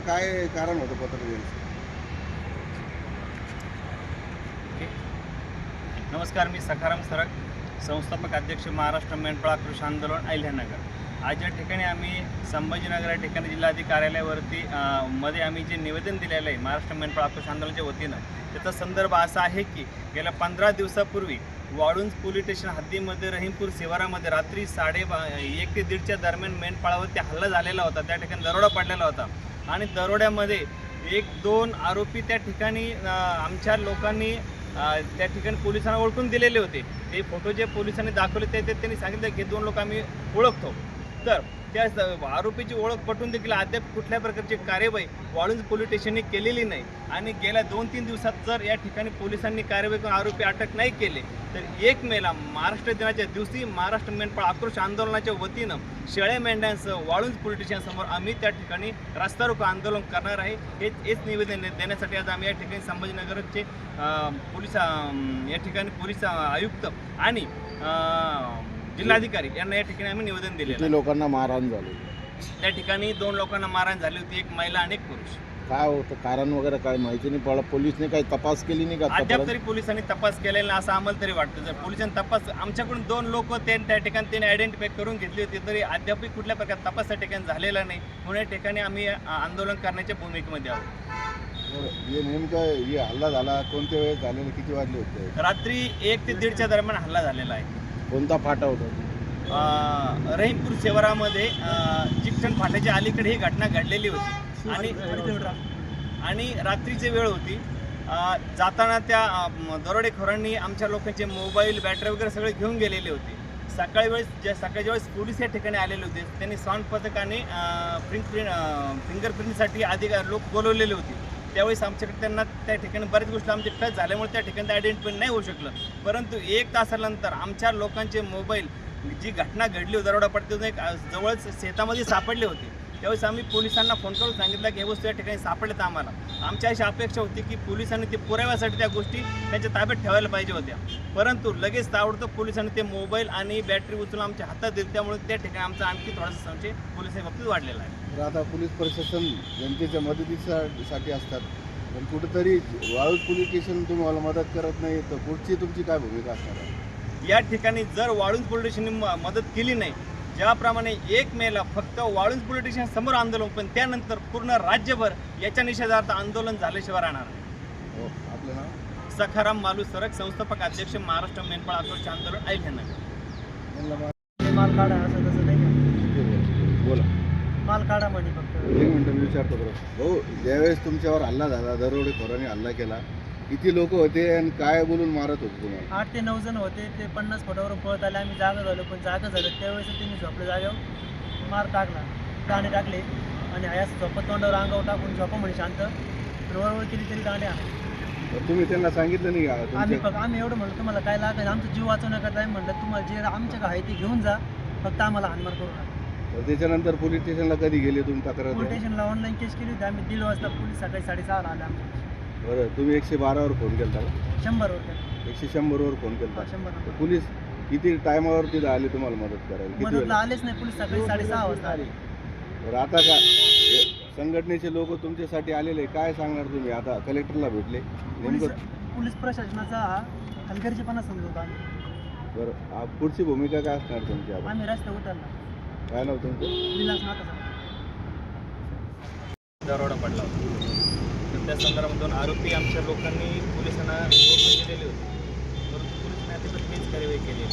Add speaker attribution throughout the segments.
Speaker 1: काय कारण होतं पत्र द्यायचं?
Speaker 2: नमस्कार, मी सखाराम सरक, संस्थापक अध्यक्ष महाराष्ट्र मेंढपाळ कृषी आंदोलन अहिल्यानगर. आज या ठिकाणी आम्ही संभाजीनगर या ठिकाणी जिल्हाधिकारी कार्यालयावरती मध्ये आम्ही जे निवेदन दिलेलं आहे महाराष्ट्र मेंढपाळ कृषी आंदोलनाच्या वतीनं, त्याचा संदर्भ असा आहे की गेल्या 15 दिवसापूर्वी वाळुंज पोलीस स्टेशन हद्दीमध्ये रहीमपूर शिवारामध्ये रात्री 1:30 ते 1:30च्या दरम्यान मेंढपाळावरती हल्ला झालेला होता. त्या ठिकाणी दरोडा पडलेला होता आणि दरोड्यामध्ये 1-2 आरोपी त्या ठिकाणी आमच्या लोकांनी त्या ठिकाणी पोलिसांना ओळखून दिलेले होते. ते फोटो जे पोलिसांनी दाखवले ते त्यांनी सांगितलं की 2 लोक आम्ही ओळखतो. तर त्या आरोपीची ओळख पटून देखील अद्याप कुठल्या प्रकारची कार्यवाही वाळुंज पोलीस स्टेशनने केलेली नाही आणि गेल्या 2-3 दिवसात जर या ठिकाणी पोलिसांनी कार्यवाही करून आरोपी अटक नाही केले तर 1 मेला महाराष्ट्र दिनाच्या दिवशी महाराष्ट्र मेंढपाळ आक्रोश आंदोलनाच्या वतीनं शेळ्या मेंढ्यांसह वाळुंज पोलीस स्टेशनसमोर आम्ही त्या ठिकाणी रस्ता रोको आंदोलन करणार आहे. हेच निवेदन देण्यासाठी आज आम्ही या ठिकाणी संभाजीनगरचे पोलीस या ठिकाणी पोलीस आयुक्त आणि जिल्हाधिकारी यांना या ठिकाणी आम्ही निवेदन दिले.
Speaker 1: किती लोकांना मारहाण झाली?
Speaker 2: त्या ठिकाणी 2 लोकांना मारहाण झाली होती, 1 महिला आणि 1 पुरुष.
Speaker 1: काय होतं कारण वगैरे काय माहिती नाही? पोलिसने काही तपास केली नाही का?
Speaker 2: अद्याप तरी पोलिसांनी तपास केलेला नाही असं आम्हाला तरी वाटतं. जर पोलिसांनी तपास आमच्याकडून 2 लोक त्या ठिकाणी त्यांनी आयडेंटिफाय करून घेतली होती तरी अद्यापही कुठल्या प्रकार तपास त्या ठिकाणी झालेला नाही. म्हणून या ठिकाणी आम्ही आंदोलन करण्याच्या भूमिकेमध्ये आहोत.
Speaker 1: हे नेमकं हे हल्ला झाला कोणत्या वेळेस झालेला, किती वाजले होते?
Speaker 2: रात्री 1 ते 1:30च्या दरम्यान हल्ला झालेला आहे.
Speaker 1: कोणता फाटा होता?
Speaker 2: रहीमपूर शिवारामध्ये चिकटण फाट्याच्या अलीकडे ही घटना घडलेली होती आणि रात्रीची वेळ होती. जाताना त्या दरोडेखोरांनी आमच्या लोकांचे मोबाईल, बॅटरी वगैरे सगळे घेऊन गेलेले होते. सकाळच्या वेळेस पोलीस या ठिकाणी आलेले होते. त्यांनी साऊंड पथकाने फिंगरप्रिंटसाठी अधिकारी लोक बोलवलेले होते. त्यावेळेस आमच्याकडे त्यांना त्या ठिकाणी बऱ्याच गोष्टी आमचे टच झाल्यामुळे त्या ठिकाणी आयडेंटिफाय नाही होऊ शकलं. परंतु 1 तासानंतर आमच्या लोकांचे मोबाईल जी घटना घडली होती दरोडा पडते एक जवळच शेतामध्ये सापडले होते. त्यावेळेस आम्ही पोलिसांना फोन करून सांगितलं की हे वस्तू या ठिकाणी सापडल्यात. आम्हाला आमची अशी अपेक्षा होती की पोलिसांनी ते पुराव्यासाठी त्या गोष्टी त्यांच्या ताब्यात ठेवायला पाहिजे होत्या. परंतु लगेच ताबडतोब पोलिसांनी ते मोबाईल आणि बॅटरी उचलून आमच्या हातात दिली. त्यामुळे त्या ठिकाणी आमचा आणखी थोडासा संशय पोलिसांच्या बाबतीत वाढलेला आहे.
Speaker 1: तर आता पोलीस प्रशासन जनतेच्या मदतीसाठी असतात, पण कुठेतरी वाळूज पोलीस स्टेशन तुम्हाला मदत करत नाही, तर पुढची तुमची काय भूमिका असणार आहे?
Speaker 2: या ठिकाणी जर वाळुंज पोलीस स्टेशनने मदत केली नाही, ज्याप्रमाणे 1 मेला फक्त वाळुंज पोलीस स्टेशन समोर आंदोलन, पण त्यानंतर पूर्ण राज्यभर याच्या निषेधार्थ आंदोलन झाल्याशिवाय राहणार नाही.
Speaker 1: हो, आपलं नाव?
Speaker 2: सखाराम मालू सरक, संस्थापक अध्यक्ष महाराष्ट्र मेंढपाळ आक्रोश आंदोलन अहिल्यानगर.
Speaker 3: माल काढा असं तसं नाही का?
Speaker 1: बोला.
Speaker 3: माल काढा म्हणे फक्त.
Speaker 1: 1 मिनिट मी विचारतो बरं. भाऊ, ज्यावेळेस तुमच्यावर हल्ला झाला, दरोडेखोरांनी हल्ला केला, किती लोक होते आणि काय बोलून मारत होते तुम्हाला?
Speaker 3: 8 ते 9 जण होते. ते 50 फुटावरून पळत आले. आम्ही जागा झालो, पण जागा झालं त्यावेळेस त्यांनी झोपलं जागेवर मार टाकला, दाणे टाकले आणि असं झोपत तोंडावर अंगावर टाकून झोपा म्हणे शांत. वरवर केली तरी दाणे
Speaker 1: तर तुम्ही त्यांना सांगितलं नाही का?
Speaker 3: आम्ही एवढं म्हणलं तुम्हाला काय लागेल आमचा जीव वाचवण्याकरता आम्ही म्हणलं तुम्हाला जे आमच्याकडे आहे ते घेऊन जा, फक्त आम्हाला हानमार करू नका.
Speaker 1: तर त्याच्यानंतर पोलीस स्टेशनला कधी गेले तुम्ही तक्रार?
Speaker 3: पोलीस स्टेशनला ऑनलाईन केस केली होती आम्ही. 1:30 वाजता पोलीस सकाळी 6:30 आले आमच्या.
Speaker 1: बरं, तुम्ही 112वर फोन केला का?
Speaker 3: 100वर केलं.
Speaker 1: 100वर फोन केला?
Speaker 3: 100.
Speaker 1: पोलीस किती टायमावर तिथं आले तुम्हाला मदत करायला? किती
Speaker 3: मदतला
Speaker 1: वेळ?
Speaker 3: आलेच नाही पोलीस. सकाळी 6:30 वाजता आले.
Speaker 1: बरं, आता का संघटनेचे लोक तुमच्यासाठी आलेले, काय सांगणार तुम्ही? आता कलेक्टरला भेटले नेमकं?
Speaker 3: पोलीस प्रशासनाचा हा हलगर्जीपणा समजवतो आम्ही.
Speaker 1: बरं, पुढची भूमिका काय असणार तुमची? आता
Speaker 3: आम्ही रस्ते उतरला.
Speaker 1: काय नाव तुमचं?
Speaker 3: विलास नाथा.
Speaker 2: दरोडा पडला होता, तर त्या संदर्भात 2 आरोपी आमच्या लोकांनी पोलिसांना ओळखून दिलेले होते. परंतु पोलिसांनी अतिशय तेच कार्यवाही केली.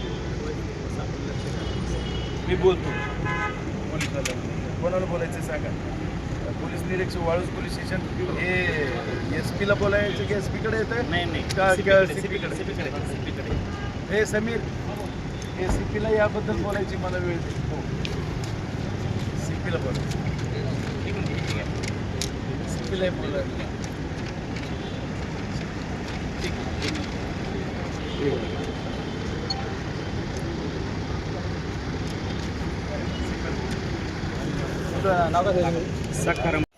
Speaker 4: मी बोलतो पोलिसाला, कोणाला बोलायचं सांगा. पोलीस निरीक्षक वाळूज पोलीस स्टेशन हे SP ला बोलायचं की SP कडे येतं?
Speaker 2: नाही
Speaker 4: का
Speaker 2: CP कडे.
Speaker 4: हे समीर, हे CP ला याबद्दल बोलायची मला वेळ दे. CP ला बोलायचं, CP ला बोलायचं.
Speaker 2: सखाराम